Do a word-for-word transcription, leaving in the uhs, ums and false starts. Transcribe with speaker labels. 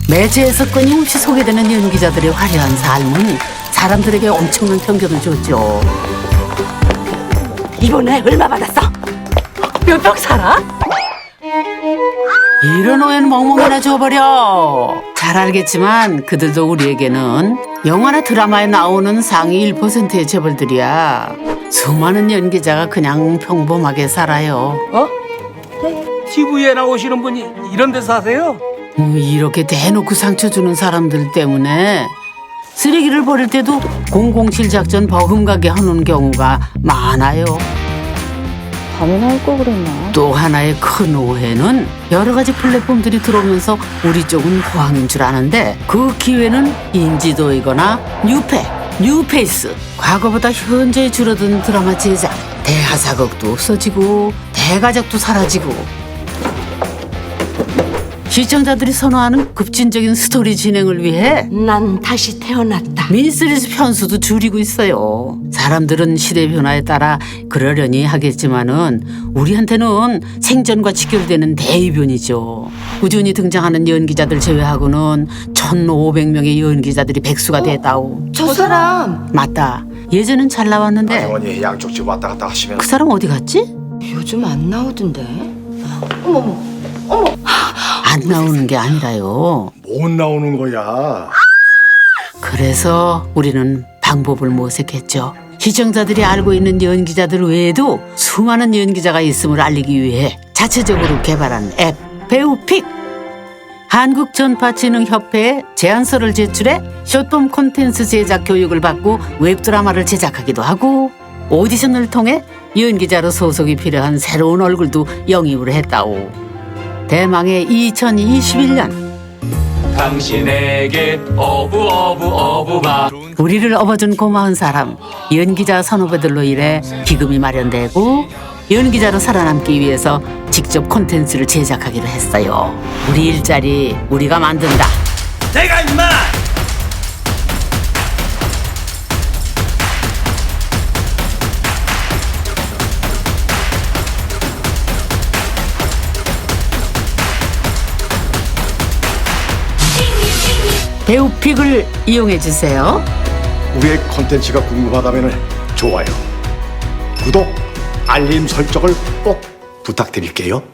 Speaker 1: 매체에서 끊임없이 소개되는 연기자들의 화려한 삶은 사람들에게 엄청난 편견을 줬죠.
Speaker 2: 이번에 얼마 받았어? 몇 병 살아?
Speaker 1: 이런 오해는 멍멍이나 줘버려. 잘 알겠지만 그들도 우리에게는 영화나 드라마에 나오는 상위 일 퍼센트의 재벌들이야. 수많은 연기자가 그냥 평범하게 살아요.
Speaker 3: 어? 티비에 나오시는 분이 이런 데서 하세요?
Speaker 1: 음, 이렇게 대놓고 상처 주는 사람들 때문에 쓰레기를 버릴 때도 공공칠 작전 버금가게 하는 경우가 많아요.
Speaker 4: 밤에나 할 걸 그랬나?
Speaker 1: 또 하나의 큰 오해는 여러 가지 플랫폼들이 들어오면서 우리 쪽은 호황인 줄 아는데 그 기회는 인지도이거나 뉴페, 뉴페이스. 과거보다 현저히 줄어든 드라마 제작, 대하사극도 없어지고 대가족도 사라지고 시청자들이 선호하는 급진적인 스토리 진행을 위해
Speaker 2: 난 다시 태어났다.
Speaker 1: 미니시리즈 편수도 줄이고 있어요. 사람들은 시대 변화에 따라 그러려니 하겠지만은 우리한테는 생전과 직결되는 대이변이죠. 꾸준히 등장하는 연기자들 제외하고는 천오백 명의 연기자들이 백수가 됐다오.
Speaker 2: 저 사람
Speaker 1: 맞다. 예전엔 잘 나왔는데
Speaker 5: 아주머니 양쪽 집 왔다 갔다 하시면
Speaker 1: 그 사람 어디 갔지?
Speaker 2: 요즘 안 나오던데. 어머머.
Speaker 1: 안 나오는 게 아니라요.
Speaker 5: 못 나오는 거야.
Speaker 1: 그래서 우리는 방법을 모색했죠. 시청자들이 알고 있는 연기자들 외에도 수많은 연기자가 있음을 알리기 위해 자체적으로 개발한 앱 배우픽. 한국전파진흥협회에 제안서를 제출해 숏폼 콘텐츠 제작 교육을 받고 웹드라마를 제작하기도 하고 오디션을 통해 연기자로 소속이 필요한 새로운 얼굴도 영입을 했다오. 대망의 이천이십일 년
Speaker 6: 당신에게 어부 어부 어부가
Speaker 1: 우리를 업어준 고마운 사람 연기자 선후배들로 인해 기금이 마련되고 연기자로 살아남기 위해서 직접 콘텐츠를 제작하기로 했어요. 우리 일자리 우리가 만든다.
Speaker 3: 내가 임마!
Speaker 1: 배우픽을 이용해주세요.
Speaker 5: 우리의 콘텐츠가 궁금하다면 좋아요, 구독, 알림 설정을 꼭 부탁드릴게요.